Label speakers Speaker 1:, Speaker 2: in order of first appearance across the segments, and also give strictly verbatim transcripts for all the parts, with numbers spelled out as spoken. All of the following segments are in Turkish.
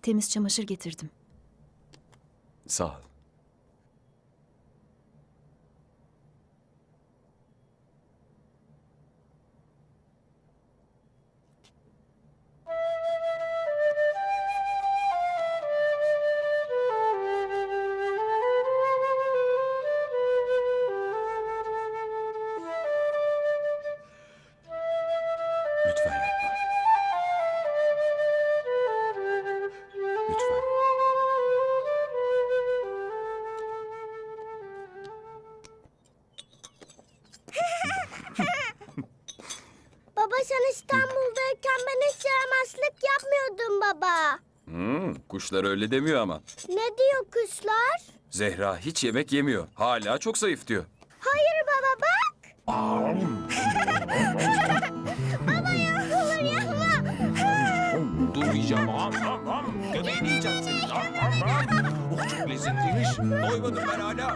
Speaker 1: Temiz çamaşır getirdim.
Speaker 2: Sağ ol. Lütfen yapma. Lütfen.
Speaker 3: Baba sen İstanbul'dayken ben hiç yaramazlık yapmıyordum baba.
Speaker 2: Hmm, kuşlar öyle demiyor ama.
Speaker 3: Ne diyor kuşlar?
Speaker 2: Zehra hiç yemek yemiyor. Hala çok zayıf diyor.
Speaker 3: Hayır baba bak. Baba yapılır yapma.
Speaker 4: Dur yiyeceğim. Am am am. Göbeğini yiyeceğim senin. Am am am. Oh çok lezzetliymiş. Doymadım ben hala.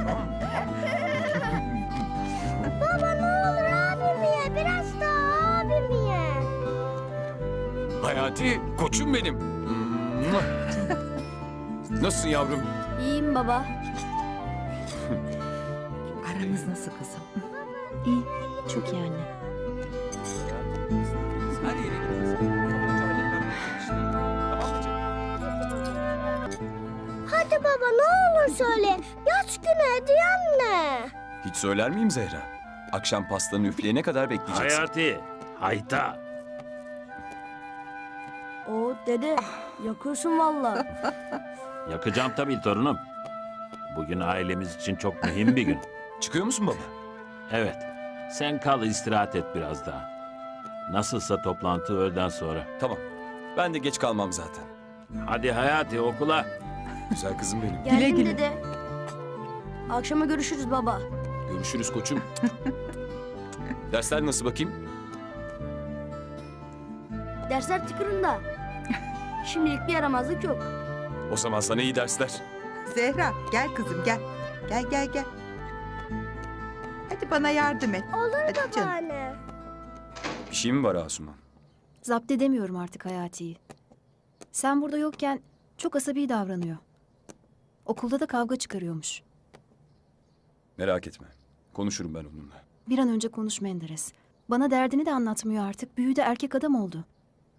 Speaker 3: Baba ne olur abimi ye. Biraz daha abimi ye.
Speaker 2: Hayati, koçum benim. Mua. Nasılsın yavrum?
Speaker 1: İyiyim baba.
Speaker 5: Aranız nasıl kızım?
Speaker 1: İyi. Çok iyi anne.
Speaker 2: Her yere gideriz. Kapıcı halletmem lazım işte. Tamam mı canım?
Speaker 3: Hadi baba ne olur söyle. Yaş günü hediyen ne?
Speaker 2: Hiç söyler miyim Zehra? Akşam pastanı üfleyene kadar bekleyeceksin.
Speaker 4: Hayati. Hayta.
Speaker 6: O dede yakıyorsun valla.
Speaker 4: Yakacağım tabii torunum. Bugün ailemiz için çok mühim bir gün.
Speaker 2: Çıkıyor musun baba?
Speaker 4: Evet. Sen kal istirahat et biraz daha. Nasılsa toplantı öğleden sonra.
Speaker 2: Tamam. Ben de geç kalmam zaten.
Speaker 4: Hadi Hayati okula.
Speaker 2: Güzel kızım benim.
Speaker 6: Geldim
Speaker 5: güle.
Speaker 6: dede. Akşama görüşürüz baba.
Speaker 2: Görüşürüz koçum. Dersler nasıl bakayım?
Speaker 6: Dersler tıkırında. Şimdilik bir yaramazlık yok.
Speaker 2: O zaman sana iyi dersler.
Speaker 5: Zehra gel kızım gel. Gel gel gel. Hadi bana yardım et.
Speaker 3: Olur
Speaker 5: Hadi canım.
Speaker 3: babaanne.
Speaker 2: Bir şey mi var Asuman?
Speaker 1: Zapt edemiyorum artık Hayati'yi. Sen burada yokken çok asabi davranıyor. Okulda da kavga çıkarıyormuş.
Speaker 2: Merak etme. Konuşurum ben onunla.
Speaker 1: Bir an önce konuş Menderes. Bana derdini de anlatmıyor artık. Büyüdü, erkek adam oldu.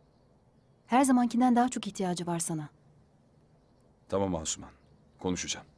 Speaker 1: Her zamankinden daha çok ihtiyacı var sana.
Speaker 2: Tamam Asuman. Konuşacağım.